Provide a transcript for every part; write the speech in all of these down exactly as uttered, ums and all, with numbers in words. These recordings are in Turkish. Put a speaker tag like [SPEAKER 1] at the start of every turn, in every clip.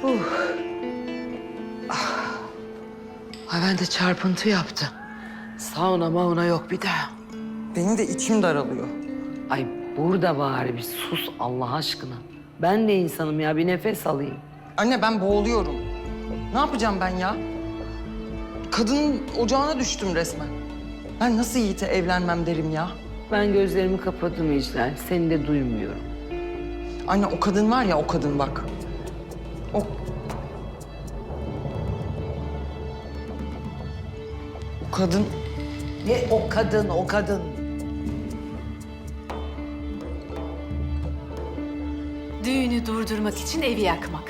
[SPEAKER 1] Uh. Ah. Ay ben de çarpıntı yaptım. Sauna mauna yok bir daha.
[SPEAKER 2] Benim de içim daralıyor.
[SPEAKER 1] Ay burada bari bir sus Allah aşkına. Ben de insanım ya, bir nefes alayım.
[SPEAKER 2] Anne ben boğuluyorum. Ne yapacağım ben ya? Kadının ocağına düştüm resmen. Ben nasıl Yiğit'e evlenmem derim ya?
[SPEAKER 1] Ben gözlerimi kapadım İclal, seni de duymuyorum.
[SPEAKER 2] Anne o kadın var ya, o kadın bak. O... O kadın...
[SPEAKER 1] Ne o kadın, o kadın?
[SPEAKER 3] Düğünü durdurmak için evi yakmak.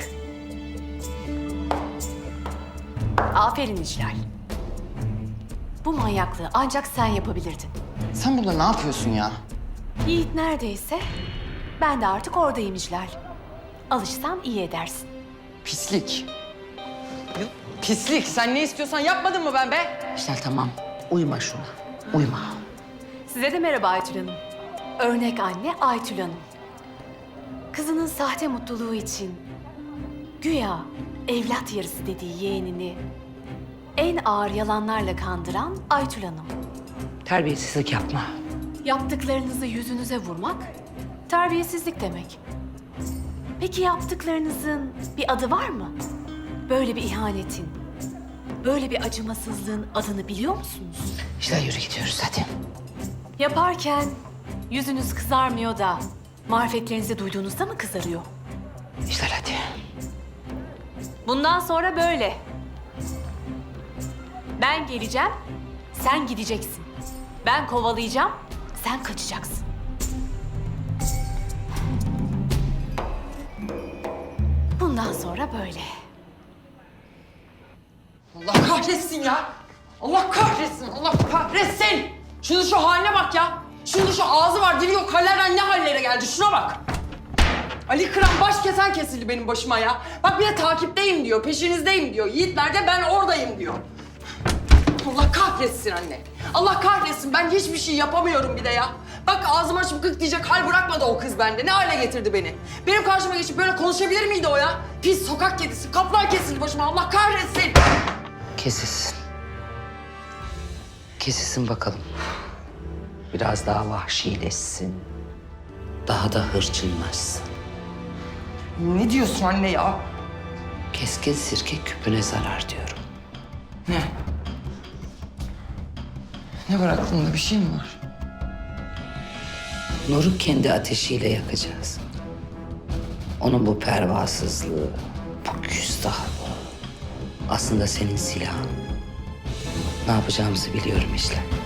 [SPEAKER 3] Aferin İclal. Bu manyaklığı ancak sen yapabilirdin.
[SPEAKER 2] Sen burada ne yapıyorsun ya?
[SPEAKER 3] Yiğit neredeyse ben de artık oradayım İclal. Alışsam iyi edersin.
[SPEAKER 2] Pislik. Ya, pislik. Sen ne istiyorsan yapmadın mı ben be?
[SPEAKER 1] İclal tamam, uyma şuna, uyma.
[SPEAKER 3] Size de merhaba Aytül Hanım. Örnek anne Aytül Hanım. Kızının sahte mutluluğu için güya evlat yarısı dediği yeğenini en ağır yalanlarla kandıran Aytül Hanım.
[SPEAKER 1] Terbiyesizlik yapma.
[SPEAKER 3] Yaptıklarınızı yüzünüze vurmak terbiyesizlik demek. Peki yaptıklarınızın bir adı var mı? Böyle bir ihanetin, böyle bir acımasızlığın adını biliyor musunuz?
[SPEAKER 1] İclal yürü gidiyoruz hadi.
[SPEAKER 3] Yaparken yüzünüz kızarmıyor da marifetlerinizi duyduğunuzda mı kızarıyor?
[SPEAKER 1] İclal hadi.
[SPEAKER 3] Bundan sonra böyle. Ben geleceğim, sen gideceksin. Ben kovalayacağım, sen kaçacaksın. Bundan sonra böyle.
[SPEAKER 2] Allah kahretsin ya. Allah kahretsin, Allah kahretsin. Şunun şu haline bak ya. Şunun şu ağzı var, dili yok. Hallerden ne hallere geldi? Şuna bak. Ali Kıran baş kesen kesildi benim başıma ya. Bak bir de takipteyim diyor, peşinizdeyim diyor. Yiğit nerede? Ben oradayım diyor. Allah kahretsin anne. Allah kahretsin. Ben hiçbir şey yapamıyorum bir de ya. Bak ağzımı açıp gık diyecek hal bırakmadı o kız bende. Ne hale getirdi beni? Benim karşıma geçip böyle konuşabilir miydi o ya? Pis sokak kedisi, kaplan kesildi başıma. Allah kahretsin.
[SPEAKER 1] Kesilsin. Kesilsin bakalım. Biraz daha vahşileşsin. Daha da hırçınlaşsın.
[SPEAKER 2] Ne diyorsun anne ya?
[SPEAKER 1] Keskin sirke küpüne zarar diyorum.
[SPEAKER 2] Ne? Ne var aklında? Bir şey mi var?
[SPEAKER 1] Nur'u kendi ateşiyle yakacağız. Onun bu pervasızlığı, bu küstahlığı aslında senin silahın. Ne yapacağımızı biliyorum işte.